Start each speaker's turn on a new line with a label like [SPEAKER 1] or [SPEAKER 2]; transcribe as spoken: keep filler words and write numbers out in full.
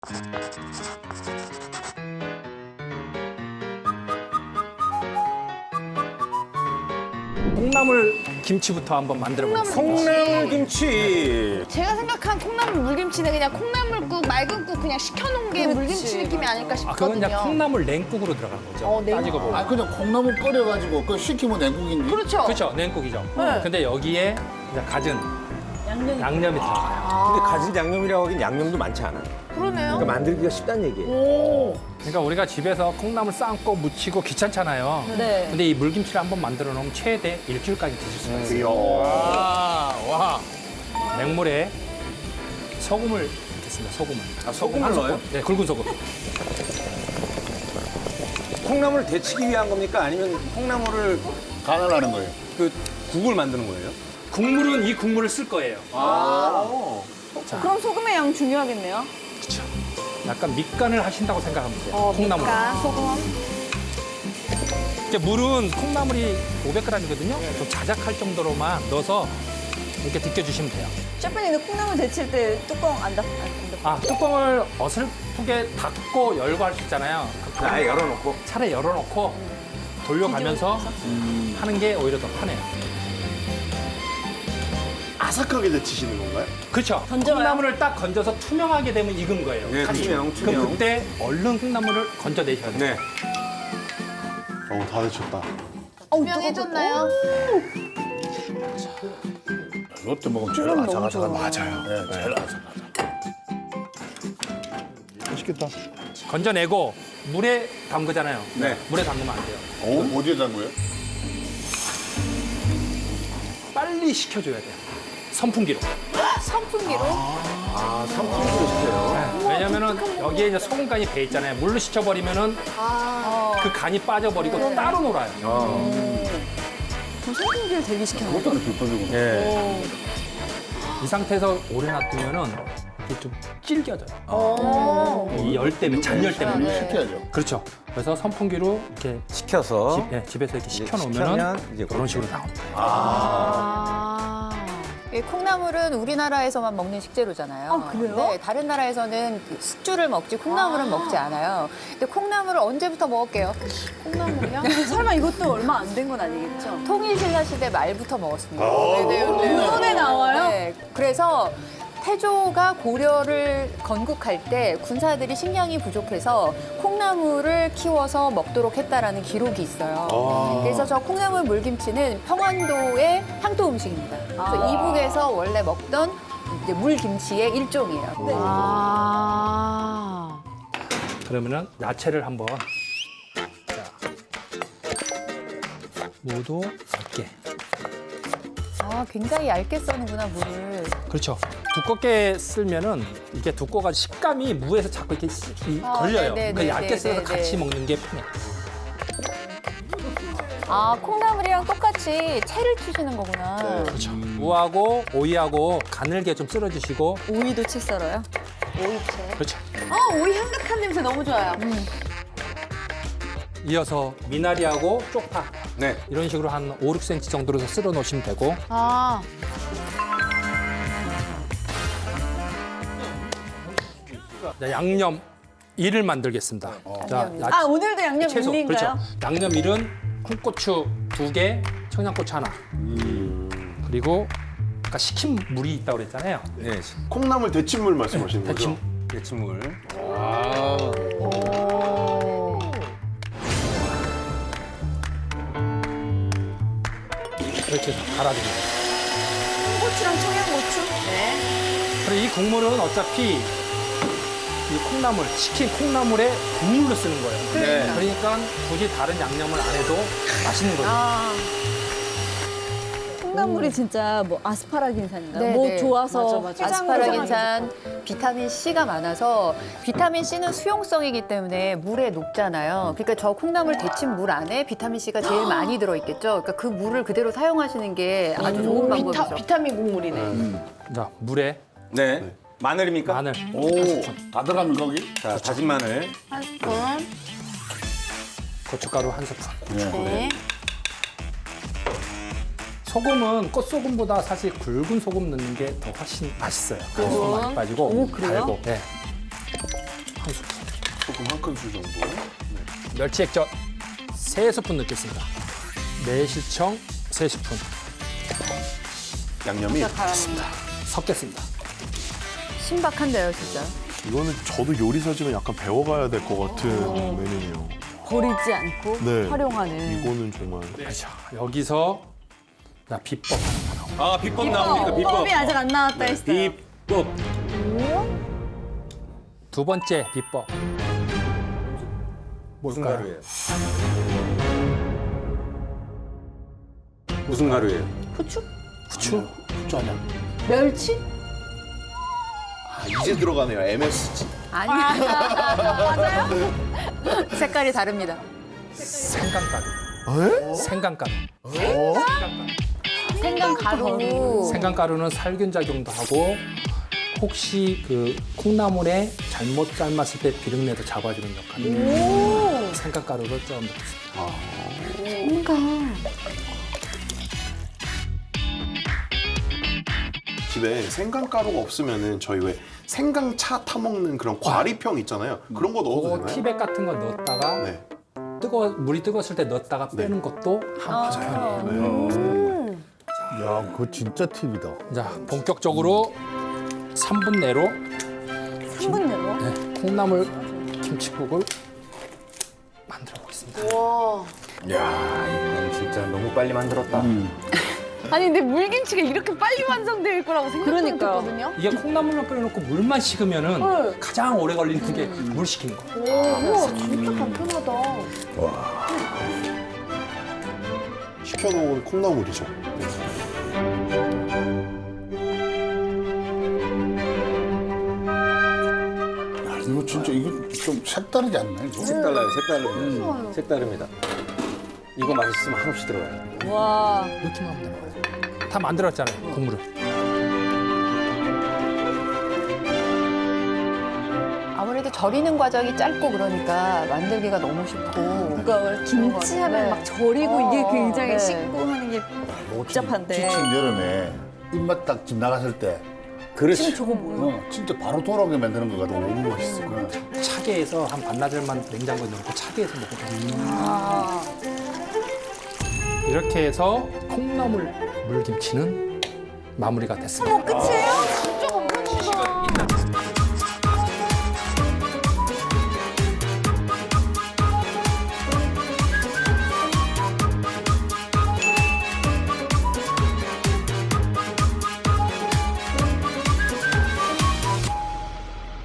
[SPEAKER 1] 콩나물 김치부터 한번 만들어 보겠습니다.
[SPEAKER 2] 콩나물 김치.
[SPEAKER 3] 제가 생각한 콩나물 물김치는 그냥 콩나물국, 맑은 국 그냥 식혀놓은 게 물김치 느낌이 아닐까
[SPEAKER 1] 아,
[SPEAKER 3] 싶거든요.
[SPEAKER 1] 그건 그냥 콩나물 냉국으로 들어간 거죠.
[SPEAKER 3] 어, 냉국.
[SPEAKER 1] 따지고 보면.
[SPEAKER 4] 아 그냥 콩나물 끓여가지고 그 식히면 냉국인데.
[SPEAKER 3] 그렇죠.
[SPEAKER 1] 그렇죠, 냉국이죠.
[SPEAKER 3] 네.
[SPEAKER 1] 근데 여기에 이제 갖은 양념이, 양념이 들어가요.
[SPEAKER 2] 근데 가진 양념이라고 하긴 양념도 많지 않아.
[SPEAKER 3] 그러네요.
[SPEAKER 2] 그러니까 만들기가 쉽다는 얘기예요.
[SPEAKER 3] 오.
[SPEAKER 1] 그러니까 우리가 집에서 콩나물 삶고 무치고 귀찮잖아요.
[SPEAKER 3] 네.
[SPEAKER 1] 근데 이 물김치를 한번 만들어 놓으면 최대 일주일까지 드실 수가 있어요.
[SPEAKER 2] 와, 와.
[SPEAKER 1] 맹물에 소금을 넣겠습니다. 소금을.
[SPEAKER 2] 아, 소금을
[SPEAKER 1] 한
[SPEAKER 2] 넣어요?
[SPEAKER 1] 스푼. 네, 굵은 소금.
[SPEAKER 2] 콩나물을 데치기 위한 겁니까? 아니면 콩나물을
[SPEAKER 4] 가난하는 거예요.
[SPEAKER 2] 그 국을 만드는 거예요?
[SPEAKER 1] 국물은 이 국물을 쓸 거예요.
[SPEAKER 5] 그럼 소금의 양 중요하겠네요.
[SPEAKER 1] 그렇죠. 약간 밑간을 하신다고 생각하면 돼요. 콩나물.
[SPEAKER 3] 밑간, 소금.
[SPEAKER 1] 이제 물은 콩나물이 오백 그램이거든요. 좀 자작할 정도로만 넣어서 이렇게 데펴주시면 돼요.
[SPEAKER 5] 셰프님, 근데 콩나물 데칠 때 뚜껑 안 닫, 안 닫.
[SPEAKER 1] 아, 뚜껑을 어설프게 닫고 열고 할 수 있잖아요.
[SPEAKER 2] 아예 열어놓고.
[SPEAKER 1] 차라리 열어놓고 돌려가면서 하는 게 오히려 더 편해요.
[SPEAKER 6] 아삭하게 데치시는 건가요?
[SPEAKER 1] 그렇죠.
[SPEAKER 5] 던져요?
[SPEAKER 1] 콩나물을 딱 건져서 투명하게 되면 익은 거예요.
[SPEAKER 2] 네,
[SPEAKER 1] 다시.
[SPEAKER 2] 투명, 투명.
[SPEAKER 1] 그럼 그때 얼른 콩나물을 건져내셔야 돼요.
[SPEAKER 2] 네.
[SPEAKER 6] 어, 다 데쳤다.
[SPEAKER 3] 투명해졌나요?
[SPEAKER 4] 롯데 먹으면 제일 아삭아삭한 맞아요. 네, 제일 아삭아삭.
[SPEAKER 6] 맛있겠다.
[SPEAKER 1] 건져내고 물에 담그잖아요.
[SPEAKER 2] 네.
[SPEAKER 1] 물에 담그면 안 돼요.
[SPEAKER 4] 어, 어디에 담 거예요?
[SPEAKER 1] 빨리 식혀줘야 돼요. 선풍기로.
[SPEAKER 3] 선풍기로.
[SPEAKER 2] 아, 삼촌도 시켜요.
[SPEAKER 1] 네. 왜냐면은 여기에 이제 소금간이 배 있잖아요. 물로 식혀버리면은
[SPEAKER 3] 아.
[SPEAKER 1] 그 간이 빠져버리고 따로 놀아요.
[SPEAKER 5] 그럼 소금기를 대기시켜요.
[SPEAKER 4] 그것도 하나 불법이고.
[SPEAKER 2] 예.
[SPEAKER 1] 이 상태에서 오래 놔두면은 이게 좀 질겨져요.
[SPEAKER 3] 오.
[SPEAKER 1] 이 열 때문에, 잔열 때문에.
[SPEAKER 4] 시켜야죠.
[SPEAKER 1] 그렇죠. 그래서 선풍기로 이렇게
[SPEAKER 2] 시켜서.
[SPEAKER 1] 집, 예, 집에서 이렇게
[SPEAKER 2] 이제
[SPEAKER 1] 식혀놓으면은
[SPEAKER 2] 식혀면 이제
[SPEAKER 1] 그런 식으로 나옵니다.
[SPEAKER 3] 아.
[SPEAKER 7] 이 콩나물은 우리나라에서만 먹는 식재료잖아요.
[SPEAKER 5] 아, 그래요?
[SPEAKER 7] 네, 다른 나라에서는 그 숙주를 먹지 콩나물은 먹지 않아요. 근데 콩나물을 언제부터 먹을게요?
[SPEAKER 3] 콩나물이요?
[SPEAKER 5] 설마 이것도 얼마 안 된 건 아니겠죠?
[SPEAKER 7] 통일신라 시대 말부터 먹었습니다.
[SPEAKER 5] 손에 나와요?
[SPEAKER 7] 네, 그래서 태조가 고려를 건국할 때 군사들이 식량이 부족해서 콩나물을 키워서 먹도록 했다라는 기록이 있어요. 그래서 저 콩나물 물김치는 평안도의 향토 음식입니다. 그래서 이북에서 원래 먹던 이제 물김치의 일종이에요.
[SPEAKER 3] 아.
[SPEAKER 1] 그러면은 야채를 한번 자, 무도 얇게.
[SPEAKER 7] 아, 굉장히 얇게 써는구나, 물을.
[SPEAKER 1] 그렇죠. 두껍게 쓸면은 이게 두꺼워가 식감이 무에서 자꾸 이렇게 씨- 이-
[SPEAKER 7] 아,
[SPEAKER 1] 걸려요.
[SPEAKER 7] 네네,
[SPEAKER 1] 그러니까 얇게
[SPEAKER 7] 네네,
[SPEAKER 1] 써서 같이
[SPEAKER 7] 네네.
[SPEAKER 1] 먹는 게 편해요.
[SPEAKER 7] 아, 콩나물이랑 똑같이 채를 치시는 거구나.
[SPEAKER 1] 그렇죠. 무하고 오이하고 가늘게 좀 썰어주시고
[SPEAKER 5] 오이도 채 썰어요?
[SPEAKER 1] 그렇죠.
[SPEAKER 5] 아, 오이 향긋한 냄새 너무 좋아요.
[SPEAKER 1] 이어서 미나리하고 쪽파
[SPEAKER 2] 네.
[SPEAKER 1] 이런 식으로 한 오, 육 센티미터 정도로 썰어 놓으시면 되고
[SPEAKER 3] 아.
[SPEAKER 1] 자, 양념 이를 만들겠습니다. 자, 야-
[SPEAKER 5] 아, 오늘도 양념
[SPEAKER 1] 채소
[SPEAKER 5] 밀린가요?
[SPEAKER 1] 그렇죠. 양념 일은 콩고추 두 개, 청양고추 하나. 그리고 아까 식힌 물이 있다고 그랬잖아요.
[SPEAKER 2] 네.
[SPEAKER 6] 콩나물 데친물 말씀하시는 거죠?
[SPEAKER 1] 대충
[SPEAKER 2] 데친물.
[SPEAKER 1] 이렇게 해서 갈아줍니다.
[SPEAKER 5] 고추랑 청양고추?
[SPEAKER 1] 그리고 이 국물은 어차피 이 콩나물, 식힌 콩나물에 국물로 쓰는 거예요.
[SPEAKER 2] 네.
[SPEAKER 1] 그러니까 굳이 다른 양념을 안 해도 맛있는 거죠.
[SPEAKER 3] 아.
[SPEAKER 5] 콩나물이 진짜 뭐 아스파라긴산인가요?
[SPEAKER 7] 네,
[SPEAKER 5] 뭐
[SPEAKER 7] 네.
[SPEAKER 5] 좋아서
[SPEAKER 3] 맞아, 맞아.
[SPEAKER 5] 해장을
[SPEAKER 7] 아스파라긴산, 비타민 C가 많아서 비타민 C는 수용성이기 때문에 물에 녹잖아요. 그러니까 저 콩나물 데친 물 안에 비타민 C가 제일 많이 들어있겠죠. 그러니까 그 물을 그대로 사용하시는 게 아주 좋은 방법이죠.
[SPEAKER 3] 비타, 비타민 국물이네.
[SPEAKER 1] 자, 물에
[SPEAKER 2] 네. 마늘입니까?
[SPEAKER 1] 마늘.
[SPEAKER 4] 오, 다 들어가면 거기?
[SPEAKER 2] 자, 다진 마늘.
[SPEAKER 3] 한 스푼.
[SPEAKER 1] 고춧가루 한 스푼.
[SPEAKER 3] 네.
[SPEAKER 1] 소금은 꽃소금보다 사실 굵은 소금 넣는 게 더 훨씬 맛있어요. 소금 많이 빠지고
[SPEAKER 5] 오, 그래요?
[SPEAKER 1] 달고. 네. 큰술.
[SPEAKER 6] 소금 한 큰술 정도.
[SPEAKER 1] 멸치 액젓 세 스푼 넣겠습니다. 매실청 세 스푼.
[SPEAKER 6] 양념이
[SPEAKER 1] 섞겠습니다.
[SPEAKER 7] 신박한데요, 진짜.
[SPEAKER 6] 이거는 저도 요리사지만 약간 배워가야 될 것 같은 메뉴네요.
[SPEAKER 5] 버리지 않고
[SPEAKER 6] 네.
[SPEAKER 5] 활용하는.
[SPEAKER 6] 이거는 정말
[SPEAKER 1] 자, 여기서 자, 비법 하나 나옵니다.
[SPEAKER 2] 아 비법 나옵니까 비법?
[SPEAKER 5] 법이 아직 안 나왔다 했어요.
[SPEAKER 2] 비법.
[SPEAKER 1] 두 번째 비법.
[SPEAKER 2] 무슨
[SPEAKER 1] 뭘까요?
[SPEAKER 2] 가루예요? 무슨 가루예요?
[SPEAKER 5] 후추?
[SPEAKER 1] 후추?
[SPEAKER 6] 후추 아니야?
[SPEAKER 5] 멸치?
[SPEAKER 6] 아, 이제 들어가네요. 엠에스지.
[SPEAKER 7] 아니. 맞아요? 색깔이 다릅니다.
[SPEAKER 1] 생강가루. 생강가루.
[SPEAKER 7] 생강가루.
[SPEAKER 1] 생강가루는 살균 작용도 하고 혹시 그 콩나물에 잘못 삶았을 때 비린내도 잡아주는 역할을 생강가루를 좀 넣겠습니다.
[SPEAKER 6] 집에 생강가루가 없으면은 저희 왜 생강차 타 먹는 그런 과리병 있잖아요. 그런 거 넣어도
[SPEAKER 1] 그거
[SPEAKER 6] 되나요?
[SPEAKER 1] 티백 같은 거 넣었다가
[SPEAKER 6] 네.
[SPEAKER 1] 뜨거 물이 뜨거웠을 때 넣었다가 빼는 것도 한 방법이에요.
[SPEAKER 4] 야, 그거 진짜 팁이다.
[SPEAKER 1] 자, 본격적으로 삼 분 내로
[SPEAKER 5] 삼 분 내로?
[SPEAKER 1] 네, 콩나물 김치국을 만들어 보겠습니다.
[SPEAKER 2] 야 이건 진짜 너무 빨리 만들었다.
[SPEAKER 3] 아니 근데 물김치가 이렇게 빨리 완성될 거라고 생각
[SPEAKER 5] 그러니까요.
[SPEAKER 3] 못했거든요.
[SPEAKER 1] 이게 콩나물만 끓여놓고 물만 식으면은 가장 오래 걸리는 게 물 식히는 거예요.
[SPEAKER 3] 우와 진짜 간편하다.
[SPEAKER 6] 식혀놓은 콩나물이죠.
[SPEAKER 4] 야, 이거 진짜 이거 좀 색다르지 않나 이거?
[SPEAKER 2] 색달라요 색다릅니다. 색다릅니다. 이거 맛있으면 한없이 들어가요.
[SPEAKER 5] 와.
[SPEAKER 1] 넣기만 하면 되는 거예요. 다 만들었잖아요, 국물을.
[SPEAKER 7] 아무래도 절이는 과정이 짧고 그러니까 만들기가 너무 쉽고.
[SPEAKER 5] 그러니까 김치하면
[SPEAKER 7] 네.
[SPEAKER 5] 막 절이고
[SPEAKER 7] 어,
[SPEAKER 5] 이게 굉장히
[SPEAKER 7] 네.
[SPEAKER 5] 씻고 하는 게 복잡한데.
[SPEAKER 4] 지친 여름에 입맛 딱 집 나갔을 때
[SPEAKER 2] 그렇지.
[SPEAKER 5] 지금 저거 뭐야?
[SPEAKER 4] 어, 진짜 바로 돌아오게 만드는 거 같아. 너무 맛있어. 어.
[SPEAKER 1] 차게에서 한 반나절만 냉장고에 넣고 차게에서 먹어도 돼요. 이렇게 해서 콩나물 물김치는 마무리가 됐습니다.
[SPEAKER 5] 끝이에요?